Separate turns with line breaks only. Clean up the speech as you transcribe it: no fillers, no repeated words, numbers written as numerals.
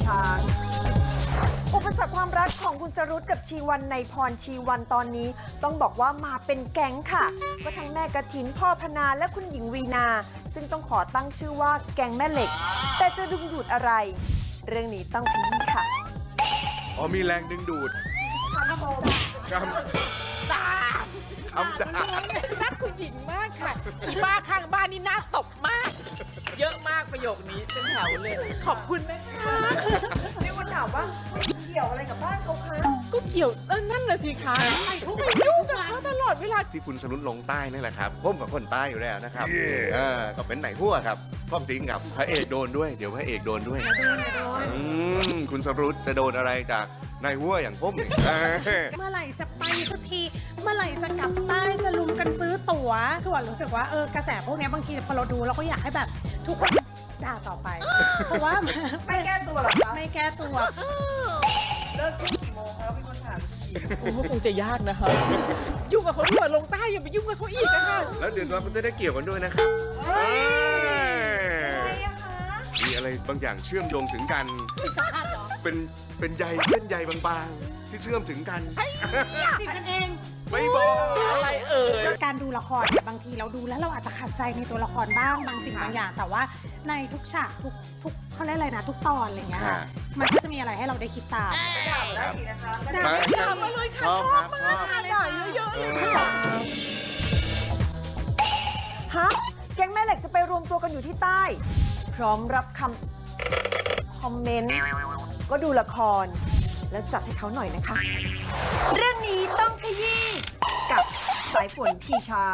ช้างอุปสรรคความรักของคุณสรุตกับชีวันในพรชีวันตอนนี้ต้องบอกว่ามาเป็นแก๊งค่ะก็ทั้งแม่กฐินพ่อพนาและคุณหญิงวีนาซึ่งต้องขอตั้งชื่อว่าแก๊งแม่เหล็กแต่จะดึงดูดอะไรเรื่องนี้ต้องขยี้ค่ะ
อ๋อมีแรงดึงดูด
คำชม
คำด่า
รักคุณหญิงมากค่ะอีบ้าข้างบ้านนี่น่าตบมาก เยอะมากประโยคนี้เป็นแถวเลย ขอบคุณนะคะ
มีคนถามว่าเกี่ยวอะไรกับบ้านเขาคะ
ก็เกี่ยวนั่นแหละสิคะไอ้พวกไปยุ่งกับเขาตลอดเวลา
ที่คุณสรุตลงใต้นี่แหละครับผมกับคนใต้อยู่แล้วนะครับก็เป็นไหนหัวครับพ่อจริงกับพระเอกโดนด้วยเดี๋ยวพระเอกโดนด้วยคุณสรุตจะโดนอะไรจากนายหัวอย่างผมเนี่ย
เมื่อไหร่จะไปสักทีเมื่อไหร่จะกลับใต้จะลุมกันซื้อตั๋วคือว่ารู้สึกว่ากระแสพวกนี้บางทีพอเราดูเราก็อยากให้แบบทุกคนด่าต่อไปเพราะว่า
ไม่แก้ตัวหรอคะ
ไม่แก้ตัว
เลิกกี่โมงแล้วมีคนถาม
โอ้คงจะยากนะคะยุ่งกับเขาด้วยลงใต้อย่าไปยุ่งกับเขาอีกนะคะ
แล้วเดี๋ยวเราจะได้เกี่ยวกันด้วยนะครับมีอะไรบางอย่างเชื่อมโยงถึงกันเป็นใยเส้นใยบางๆที่เชื่อมถึงกัน
จีบกันเอง
ไม่บอก
อะไร
การดูละครเนี่ยบางทีเราดูแล้วเราอาจจะขัดใจในตัวละครบ้างบางสิ่งบางอย่างแต่ว่าในทุกฉากทุกเขาเรียกอะไรนะทุกตอนอะไรอย่างเงี้ยค่ะมันก็จะมีอะไรให้เราได้คิดตาม
ได้อีกนะคะ
ด่ามาเลยค่ะชอบมากด่าเยอะๆเลยค่ะ
ฮะแก๊งแม่เหล็กจะไปรวมตัวกันอยู่ที่ใต้พร้อมรับคอมเมนต์ก็ดูละครแล้วจัดให้เขาหน่อยนะคะเรื่องนี้ต้องขยี้กับสายฝนชีชา